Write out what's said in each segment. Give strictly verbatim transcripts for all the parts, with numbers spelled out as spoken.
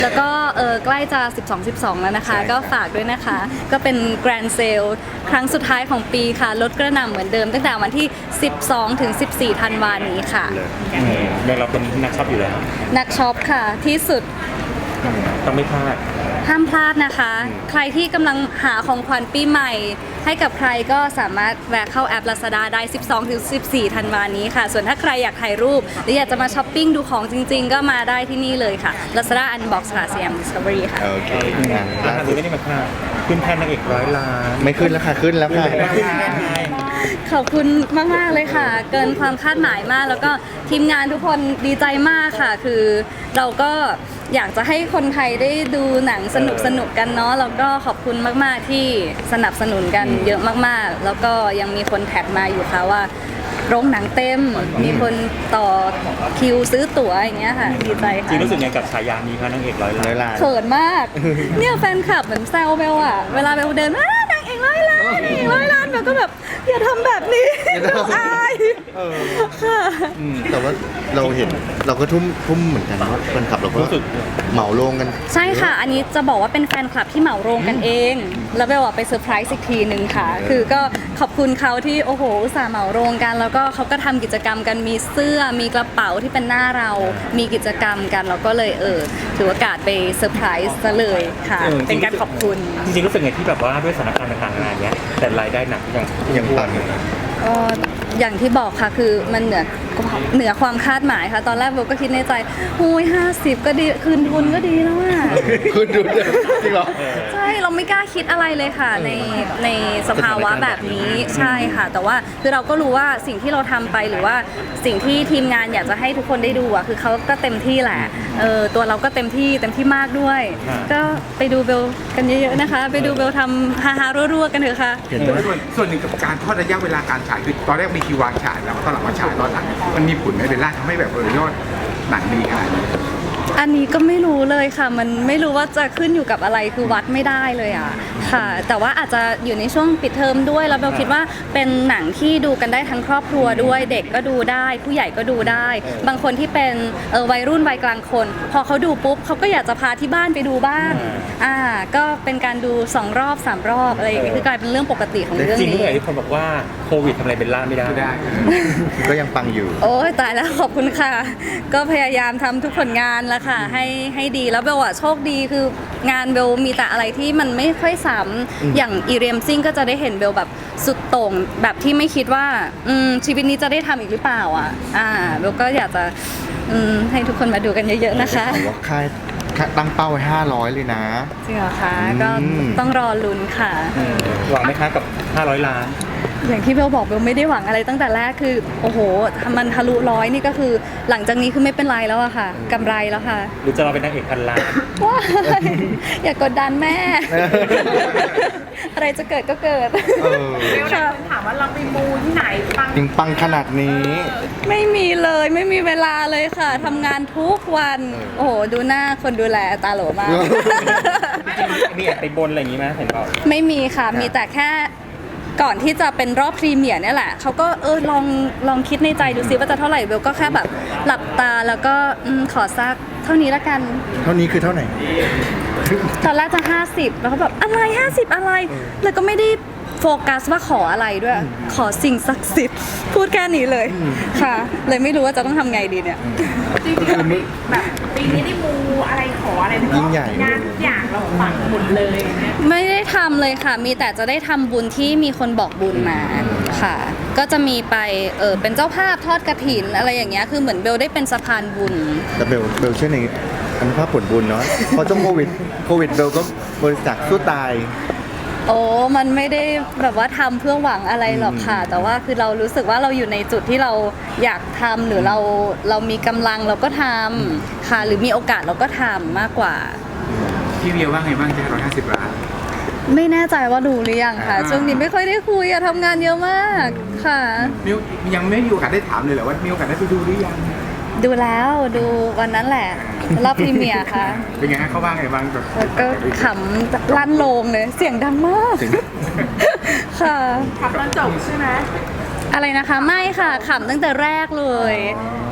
แล้วก็เออใกล้จะ สิบสอง สิบสอง แล้วนะคะก็ฝากด้วยนะคะก็เป็น Grand Sale ครั้งสุดท้ายของปีค่ะลดกระหน่ำเหมือนเดิมตั้งแต่วันที่ สิบสอง ถึง สิบสี่ ธันวาคมนี้ค่ะเดี๋ยวเราเป็นนักช็อปอยู่แล้วนักช็อปค่ะที่สุดต้องไม่พลาดห้ามพลาดนะคะใครที่กำลังหาของขวัญปีใหม่ให้กับใครก็สามารถแวะเข้าแอป Lazada ได้ สิบสอง ถึง สิบสี่ ธันวาคมนี้ค่ะส่วนถ้าใครอยากถ่ายรูปหรืออยากจะมาช้อปปิ้งดูของจริงๆก็มาได้ที่นี่เลยค่ะ Lazada Unbox ค่ะ ซี เอ็ม Discovery ค่ะโอเคล่าสุดไม่ได้มาพลาดขึ้นแท่นนางเอกร้อยล้านไม่ขึ้นแล้วค่ะขึ้นแล้วค่ะขอบคุณมากๆเลยค่ะเกินความคาดหมายมากแล้วก็ทีมงานทุกคนดีใจมากค่ะคือเราก็อยากจะให้คนไทยได้ดูหนังสนุกสนุกกันเนาะแล้วก็ขอบคุณมากๆที่สนับสนุนกันเยอะมากๆแล้วก็ยังมีคนแท็กมาอยู่ค่ะว่าโรงหนังเต็มมีคนต่อคิวซื้อตั๋วอย่างเงี้ยค่ะดีใจค่ะจริงรู้สึกไงกับฉายานี้คะนางเอกร้อยล้านเขินมากเนี่ยแฟนคลับเหมือนแซวเบลอะเวลาเบลเดินมานางเอกร้อยล้านนางเอกร้อยล้านเบลก็แบบอย่าทำแบบนี้เราอายค่ะแต่ว่าเราเห็นเราก็ทุ่มทุ่มเหมือนกันว่าแฟนคลับเราก็เหมาโรงกันใช่ค่ะอันนี้จะบอกว่าเป็นแฟนคลับที่เหมาโรงกันเองแล้วเบลอะไปเซอร์ไพรส์อีกทีนึงค่ะคือก็ขอบคุณเขาที่โอ้โหอุตส่าห์เหมาโรงกันแล้วก็เขาก็ทำกิจกรรมกันมีเสื้อมีกระเป๋าที่เป็นหน้าเรามีกิจกรรมกันเราก็เลยเออถือโอกาสไปเซอร์ไพรส์ซะเลยค่ะเป็นการขอบคุณจริงๆรู้สึกไงที่แบบว่าด้วยสถานการณ์ต่างๆนานาเนี้ยแต่รายได้หนักยังยังปังอยู่ก็อย่างที่บอกค่ะคือมันเหนือเหนือความคาดหมายค่ะตอนแรกโบก็คิดในใจหูยห้าสิบก็ดีคืนทุนก็ดีแล้วอ่ะคืนทุนจริงเหรอใช่เราไม่กล้าคิดอะไรเลยค่ะในในสภาวะแบบนี้ใช่ค่ะแต่ว่าคือเราก็รู้ว่าสิ่งที่เราทำไปหรือว่าสิ่งที่ทีมงานอยากจะให้ทุกคนได้ดูอ่ะคือเขาก็เต็มที่แหละเออตัวเราก็เต็มที่เต็มที่มากด้วยก็ไปดูเบลกันเยอะๆนะคะไปดูเบลทำฮาฮารัวๆกันเถอะค่ะส่วนหนึ่งกับการทอดระยะเวลาการฉายคือตอนแรกมีคิววางฉายแล้วตอนหลังมาฉายตอนหลังมันมีผลไหมเบลล่าทำให้แบบเออยอดหนังดีขนาดนี้อันนี้ก็ไม่รู้เลยค่ะมันไม่รู้ว่าจะขึ้นอยู่กับอะไรคือวัดไม่ได้เลยอ่ะค่ะแต่ว่าอาจจะอยู่ในช่วงปิดเทอมด้วยแล้วเบลคิดว่าเป็นหนังที่ดูกันได้ทั้งครอบครัวด้วยเด็กก็ดูได้ผู้ใหญ่ก็ดูได้บางคนที่เป็นเออวัยรุ่นวัยกลางคนพอเขาดูปุ๊บเขาก็อยากจะพาที่บ้านไปดูบ้างอ่าก็เป็นการดูสองรอบสามรอบอะไรอย่างเงี้ยคือกลายเป็นเรื่องปกติของเรื่องนี้จริงๆทุกคนบอกว่าโควิดทำอะไรเบลล่าไม่ได้ก็ยังปังอยู่โอ้ยตายแล้วขอบคุณค่ะก็พยายามทำทุกผลงานแล้วค่ะให้ให้ดีแล้วเบลอะโชคดีคืองานเบลมีแต่อะไรที่มันไม่ค่อยซ้ำอย่างอีเรียมซิ่งก็จะได้เห็นเบลแบบสุดโต่งแบบที่ไม่คิดว่าชีวิตนี้จะได้ทำอีกหรือเปล่าอ่ะอ่าเบลก็อยากจะให้ทุกคนมาดูกันเยอะๆนะคะว่าค่ายตั้งเป้าไว้ห้าร้อยเลยนะจริงเหรอคะก็ต้องรอลุ้นค่ะหวังไหมคะกับห้าร้อยล้านอย่างที่เบลบอกเบลไม่ได้หวังอะไรตั้งแต่แรกคือโอ้โหมันทะลุร้อยนี่ก็คือหลังจากนี้คือไม่เป็นไรแล้วอะค่ะกำไรแล้วค่ะหรือจะเราเป็นนางเอกพันล้านว้าอย่ากดดันแม่อะไรจะเกิดก็เกิดเบลถามว่าเราไปมูที่ไหนปังจริงปังขนาดนี้ไม่มีเลยไม่มีเวลาเลยค่ะทำงานทุกวันโอ้โหดูหน้าคนดูแลตาโหลมากมีแอบไปบนอะไรอย่างนี้ไหมเห็นบอกไม่มีค่ะมีแต่แค่ก่อนที่จะเป็นรอบพรีเมียร์เนี่ยแหละเขาก็เออลองลองคิดในใจดูซิว่าจะเท่าไหร่เบลก็แค่แบบหลับตาแล้วก็ขอซักเท่านี้ละกันเท่านี้คือเท่าไหร่ตอนแรกจะห้าสิบแล้วก็แบบอะไรห้าสิบอะไรแล้วก็ไม่ได้โฟกัสว่าขออะไรด้วยขอสิ่งศักดิ์สิทธิ์พูดแค่นี้เลยค่ะเลยไม่รู้ว่าจะต้องทำไงดีเนี่ยจริงๆแบบปีนี้ได้มูอะไรขออะไรยิ่งใหญ่งานทุกอย่างเราฝังหมดเลยไม่ได้ทำเลยค่ะมีแต่จะได้ทำบุญที่มีคนบอกบุญมาค่ะก็จะมีไปเออเป็นเจ้าภาพทอดกฐินอะไรอย่างเงี้ยคือเหมือนเบลได้เป็นสะพานบุญแต่เบลเบลเชื่อในอนุภาพผลบุญเนาะพอช่วงโควิดโควิดเบลก็บริจาคสู้ตายโอ้มันไม่ได้แบบว่าทำเพื่อหวังอะไรหรอกค่ะแต่ว่าคือเรารู้สึกว่าเราอยู่ในจุดที่เราอยากทำหรือเราเรามีกำลังเราก็ทำค่ะหรือมีโอกาสเราก็ทำมากกว่าพี่เวียว่าไงบ้างจะร้อยห้าสิบล้านไม่แน่ใจว่าดูหรือยังค่ะช่วงนี้ไม่ค่อยได้คุยอะทำงานเยอะมากค่ะมิวยังไม่มีโอกาสได้ถามเลยเหรอว่ามีโอกาสได้ไปดูหรือยังดูแล้วดูวันนั้นแหละรอบพรีเมียร์ค่ะเป็นไงฮะเขาว่าไงบ้างแบบก็ขำลั่นโลงเลยเสียงดังมากค่ะขำตอนจบใช่ไหมอะไรนะคะไม่ค่ะขำตั้งแต่แรกเลย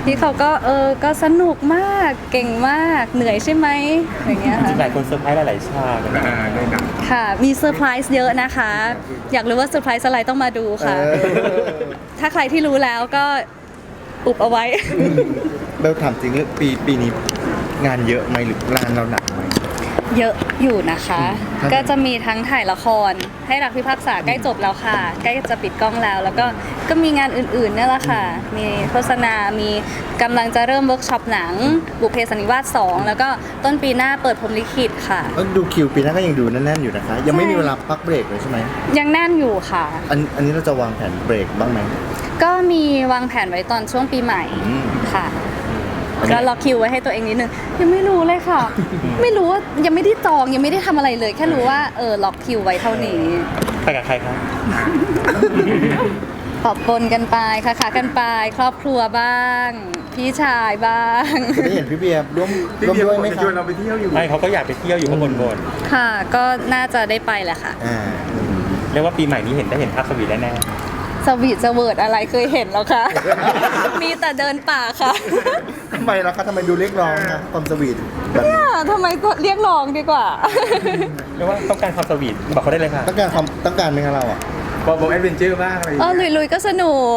พี่เขาก็เออก็สนุกมากเก่งมากเหนื่อยใช่ไหมอย่างเงี้ยจริงๆหค่ะลายคนเซอร์ไพรส์หลายๆฉากเลยนะอ่าได้หนังค่ะมีเซอร์ไพรส์เยอะนะคะ อยากรู้ว่าเซอร์ไพรส์อะไรต้องมาดูค่ะเออถ้าใครที่รู้แล้วก็อุบเอาไว้เบลถามจริงเรื่องปีปีนี้งานเยอะไหมหรืองานเราหนักไหมเยอะอยู่นะคะครับก็จะมีทั้งถ่ายละคร ให้รักพิพากษาใกล้จบแล้วค่ะ ใกล้จะปิดกล้องแล้ว แล้วก็ก็มีงานอื่นๆเนี่ยแหละค่ะ มีโฆษณา มีกำลังจะเริ่มเวิร์กช็อปหนัง บุพเพสันนิวาสสองแล้วก็ต้นปีหน้าเปิดพรหมลิขิตค่ะเอ้ยดูคิวปีหน้าก็ยังดูแน่นๆอยู่นะคะ ยังไม่ใช่มีเวลาพักเบรกเลยใช่ไหมยังแน่นอยู่ค่ะอันอันนี้เราจะวางแผนเบรกบ้างไหมก็มีวางแผนไว้ตอนช่วงปีใหม่อืมค่ะก็ล็อกคิวไว้ให้ตัวเองนิดนึงยังไม่รู้เลยค่ะ ไม่รู้ว่ายังไม่ได้จองยังไม่ได้ทำอะไรเลย แค่รู้ว่าเออล็อกคิวไว้เท่านี้ไปกับใครครับปอบปนกันไปค่ะขากันไป ครอบครัวบ้าง พี่ชายบ้างจะได้เห็นพี่เบียร์ร่วมที่ร่วมเดียวด้วยไหมจะคชรัวนเราบไปเที่ยวอยู่ไม่เขาก็อยากไปเที่ยวอยู่ข้างบนบนค่ะ ก็น่าจะได้ไปแหละค่ะอ่าเรียกว่าปีใหม่นี้เห็นได้เห็นภาพสวีทแน่สวีทสเวิร์ดอะไรเคยเห็นแล้วค่ะ มีแต่เดินป่าค่ะทำไมล่ะคะทำไมดูเรียกร้องนะความสวีทแบบเนี่นี้ยทำไมเรียกร้องดีกว่าๆเรียกว่าต้องการความสวีทบอกเขาได้เลยค่ะต้องการความต้องการไหมคะเราอ่ะบอกบอกแอดเวนเจอร์บ้างอะไรอย่างเออเงี้ยลุยๆก็สนุก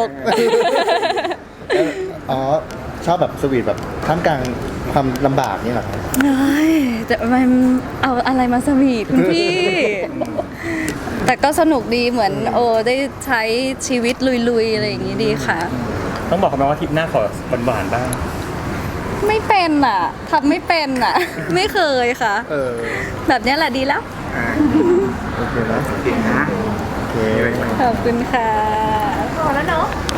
อ๋อชอบแบบสวีทแบบท่ามกลางความลำบากนี่เหรอครับเฮ้ยแต่มันเอาอะไรมาสวีทคุณพี่ แต่ก็สนุกดีเหมือนโอ้ได้ใช้ชีวิตลุยๆ อะไรอย่างนี้ดีค่ะต้องบอกเขาไหมว่าทริปหน้าขอหวานๆบ้างไม่เป็นอ่ะทำไม่เป็นอ่ะ ไม่เคยค่ะเออแบบเนี้ยแหละดีแล้วอ่าโอเคนะโอเคนะโอเคขอบคุณค่ะพอแล้วเนาะโ